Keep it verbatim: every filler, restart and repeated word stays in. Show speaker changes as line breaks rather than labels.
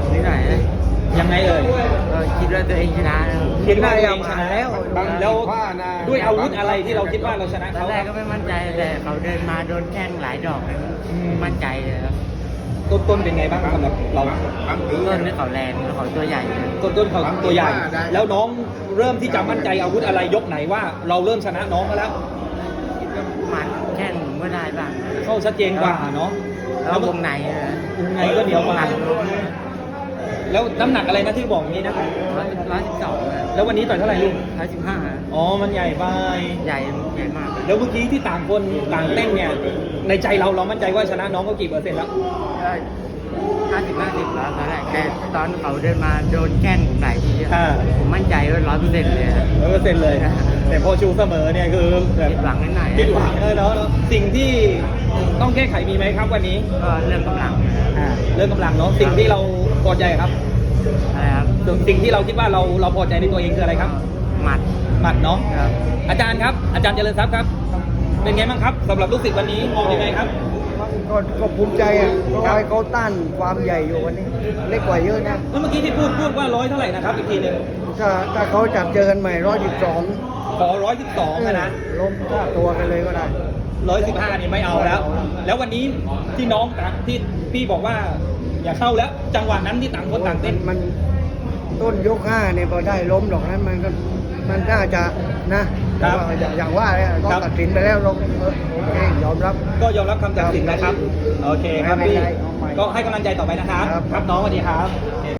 นิดหน่อยนะ
ยังไงเอ่ย
ก็คิดว่าตัวเองชนะนะ
คิดว่าตัวเองชนะแล้ว
บาง
แล้ว
ว่านะ
ด้วยอาวุธอะไรที่เราคิดว่าเราชนะ
ตอน
เขา
แรกก็ไม่มั่นใจแต่เขาเดินมาโดนแข้งหลายดอกเลยมั่นใจเลยครับ
ต้นต้นเป็นไงบ้างสำหรับเรา
บางที
ต้นนี่เขาแรงแล้วเขาตัวใหญ่เลย
ต้นต้นเขาตัวใหญ่ แล้วน้องเริ่มที่จะมั่นใจอาวุธอะไรยกไหนว่าเราเริ่มชนะน้องเขาแล้ว
หมัดแข้งผมก็ได้บ้าง
เข้าชัดเจนกว่าเนาะ
แล้ววงในนะ
วงในก็เหนียวกว่า
หนัก
แล้วน้ำหนักอะไรนะที่บอกอย่างนี้นะ
ร้อยร้อยสิบสอง
แล้ววันนี้ต่อยเท่าไหร่ลุง
ร้อยสิบห้า
อ๋อมันใหญ่ไป
ใหญ่ใหญ่มาก
แล้วเมื่อกี้ที่ต่างคนต่างเต้นเนี่ยในใจเราเรามั่นใจว่าชนะน้องเขากี่เปอร์เซ็นต์แล้ว
ก็ห้าสิบห้าสิบแล้วตอนแรกแต่ตอนเขาเดินมาโดนแข้งผมหลายทีอะ
อ่า
ผมมั่นใจว่าร้อยเปอร์เซ็นต์เลยอะ
ร้อยเปอร์เซ็นต์เลย แต่พอชูเสมอเนี่ยคือแบบ
ผิดหวังนิดหน่อย
ผิดหวังเออเนาะสิ่งที่ต้องแก้ไขมีไหมครับวันนี้
ก็เรื่องกำลัง
อ่าเรื่องกำลังเนาะสิ่งที่เราพอใจครับ
อะไรครับ
สิ่งที่เราคิดว่าเราเราพอใจในตัวเองคืออะไรครับ
หมัด
หมัดเนาะ
ครับ
อาจารย์ครับอาจารย์เจริญทรัพย์ครับ เป็นไงบ้างครับสำหรับลูกศิษย์วันนี้มองยังไงครับ
ก็ก็ภูมิใจอ่ะเพราะว่าเขาต้านความใหญ่อยู่วันนี้ เล็กกว่าเยอะนะ
แล้วเมื่อกี้ที่พูดพูดว่าร้อยเท่าไหร่นะครับอีกทีหนึ่ง
ถ้าถ้าเขาจับเจอกันใหม่ร้อยสิบสอง
ขอร้อยสิบสองนะ
ล้มฆ่าตัวกันเลยก็ได้
ร้อยสิบห้านี่ไม่เอาแล้ว แล้ววันนี้ที่น้องที่พี่บอกว่าอย่าเข้าแล้ว จังหวะนั้นที่ต่างคนต่างเต้น
มันต้นยกห้าเนี่ยพอได้ล้มดอกนั้นมันก็มันน่าจะนะครับ แต่ว่าอย่างว่าเนี่ยต้อง
ครับ
ตัดสินไปแล้วลงเออโอเคยอมรับ
ก็ยอมรับคำตัดสินนะครับ โอเคครับพี่
ไม่เป็นไรเอาใหม่
ก็ให้กำลังใจต่อไปนะครับ
ครับ
ครับน้องสวัสดีครับ